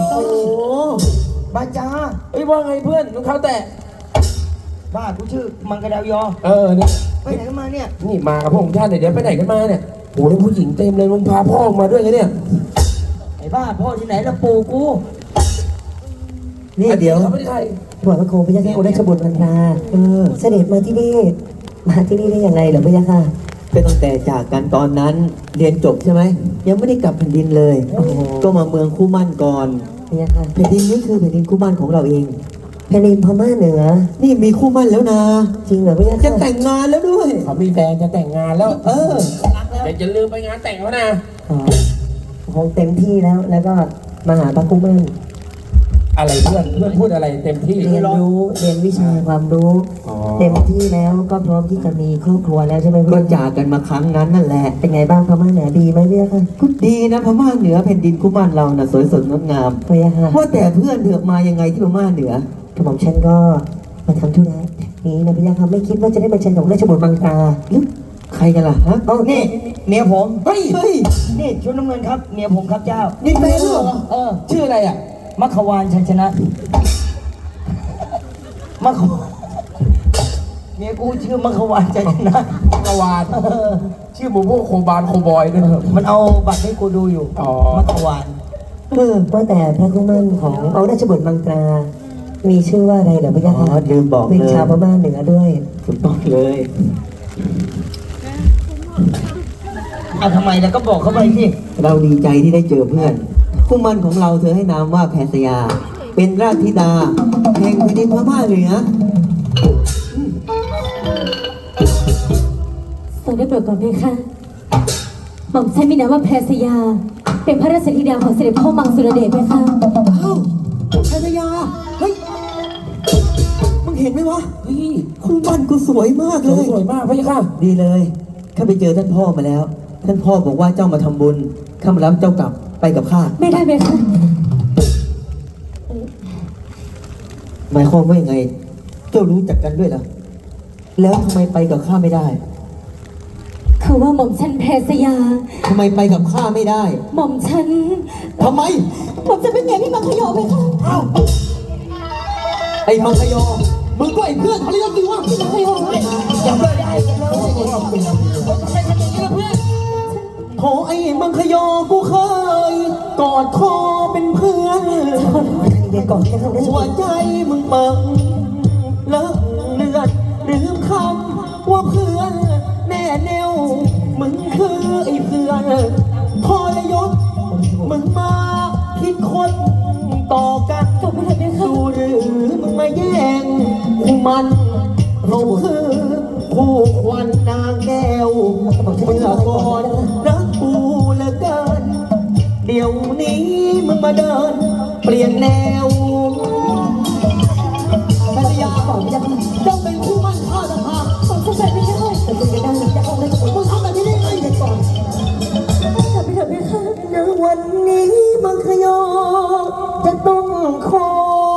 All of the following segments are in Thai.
โอ้บาจาเอ้ยว่าไงเพื่อนรองเท้าแตะบ้ากูชื่อมังกรดาวยอเนี่ยไปไหนกันมาเนี่ยนี่มากับพวกท่านเนี่ยเดี๋ยวไปไหนกันมาเนี่ยโอ้แล้วผู้หญิงเต็มเลยมึงพาพ่อมาด้วยไงเนี่ยไอ้บ้าพ่อที่ไหนละปู่กูนี่เดี๋ยวเขาไม่ได้ใครบอกพระโคพระยาค่ะองค์ราชบุตรพันธาเสด็จมาที่นี่ได้ยังไงเหรอพระยาค่ะเป็นตั้งแต่จากกันตอนนั้นเรียนจบใช่ไหมยังไม่ได้กลับแผ่นดินเลย ก็มาเมืองคู่มั่นก่อนพระยาค่ะแผ่นดินนี้คือแผ่นดินคู่มั่นของเราเองแผ่นดินพม่าเหนือนี่มีคู่มั่นแล้วนะจริงเหรอพระยาจะค่ะแต่งงานแล้วด้วยเขามีแฟนจะแต่งงานแล้วรักแล้วแต่อย่าลืมไปงานแต่งเขานะอ๋อคงเต็มที่แล้วก็มาหาพระกุมันอะไรเพื่อนพูดอะไรเต็มที่เรียนวิชาความรู้อ๋อเต็มที่แล้วก็พร้อมที่จะมีครอบครัวแล้วใช่ไหมก็พี่จากกันมาครั้งนั้นนั่นแหละเป็นไงบ้างพม่าเหนือดีไหมพี่ค่ะก็ดีนะพม่าเหนือแผ่นดินคู่มั่นเราน่ะสวยสดงดงามพี่ค่ะว่าแต่เพื่อนเถือกมายังไงที่พม่าเหนือกระหม่อมฉันก็มาทำธุระนี้นะพี่ค่ะไม่คิดว่าจะได้มาเชิญของราชบุตรบางตาใครกันล่ะฮะนี่เมียผมเฮ้ยเฮ้ยนี่ชุดน้ำเงินครับเมียผมครับเจ้านี่แฟนเหรอ ชื่ออะไรอ่ะมัคควานชัยชนะมัคควานเมียกูชื่อมัคควานชัยชนะกวานชื่อหมูพวกโคบานโคบอยด้วยมันเอาบัตรให้กูดูอยู่อ๋อมัคควานว่าแต่พระกุมันขององค์ราชบุตรบางตรา มีชื่อว่าอะไรเหรอพี่อ๋ค่ะอลืมบอกเป็นเลยชาวพม่าเหนือด้วยถูกต้องเลยเอาทำไมแล้วก็บอกเขาไปสิเราดีใจที่ได้เจอเพื่อนคู่มั่นของเราเธอให้นามว่าแพทยา เป็นราชธิดาแห่งแผ่นดินพม่าเหนือทรงได้โปรดก่อนเพคะหม่อมฉันมีนามว่าแพรสยา เป็นพระราชธิดาของเสด็จพ่อมังสุรเดชเพคะเอ้าแพทยา เฮ้ย มึงเห็นไหมวะเฮ้ยคู่มั่นกูสวยมากเลยสวยมากพี่ค่ะดีเลยข้าไปเจอท่านพ่อมาแล้ว ท่านพ่อบอกว่าเจ้ามาทำบุญข้ามารับเจ้ากลับไปกับข้าไม่ได้เพคะหมายความว่ายังไง เจ้ารู้จักกันด้วยเหรอ แล้วทำไมไปกับข้าไม่ได้คือว่าหม่อมฉันแพรสยาทำไมไปกับข้าไม่ได้หม่อมฉันทำไมหม่อมจะเป็นเมียพี่มังคยอเพคะเอ้าไอ้มังคยอ มึงก็ไอ้เพื่อนเขาเรียกดีว่าพี่มังคยออย่าเพิ่งได้กันเลยโถไอ้มังคยอ กูเคย กอดคอเป็นเพื่อนเดี๋ยวก่อนจะเข้าราชหับุวตรใจมึงเปิงเลอะเลือดลืมคำว่าเพื่อนแน่แนวมึงคือไอ้เพื่อนพอระยศมึงมาคิดคนต่อกันจบไปเถอะเพคะดูหรือมึงมาแย่งคู่มันเราคือคู่ควันนางแก้วเมื่อก่อนรักกูเหลือเกิน เดี๋ยวนี้มึงมาเดิน เปลี่ยนแนวภรรยาบอกจะต้องเป็นคู่มั่นข้าต่างหากหม่อมฉันแบบนี้ไม่ได้แต่คุณจะได้จะเข้าราชบุตรมึงทำแบบนี้ได้ไงเด็กก่อนจบไปเถอะเพคะณวันนี้มังคยอจะต้องขอ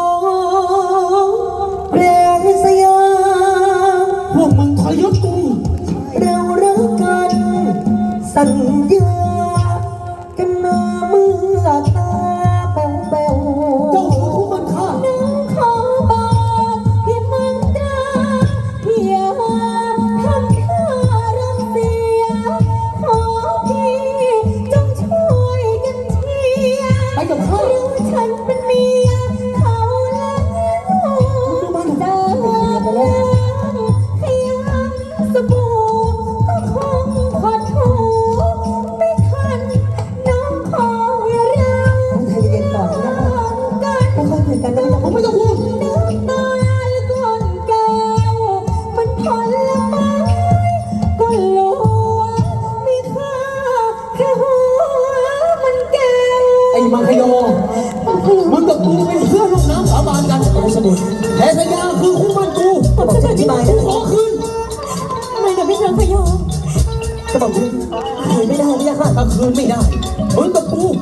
แพรสยาพวกมึงทรยศกูเรารักกันสัญญากันมาเมื่อตาแป๋วแป๋วเจ้าคือคู่มั่นข้าน้องขอบอกพี่มังตราอย่าทำข้ารำเสียขอพี่จงช่วยกันเชียร์ไปกับข้ารู้ฉันเป็นเมียเขาแล้วเดินขยำสบู่ก็คงขอถูไม่ทันน้องขออย่าเราใจเย็นๆก่อนนะกันค่อยๆคุยกันนะผมไม่ต้องพูดน้ำตาและก้อนแก้วมันผลไม้ก็ลัวมีค่าแค่หัวมันแก้วไอ้มังคยอ มึงกับกูเป็นเพื่อนร่วมน้ำสาบานกันแพทยาคือคู่มั่นกูผมจะอธิบายกูนะขอคืนทำไมถึงไม่เชิงพยองก็บอกคุณคุยไม่ได้พี่ค่ะถ้าคืนไม่ได้ มึงกับกู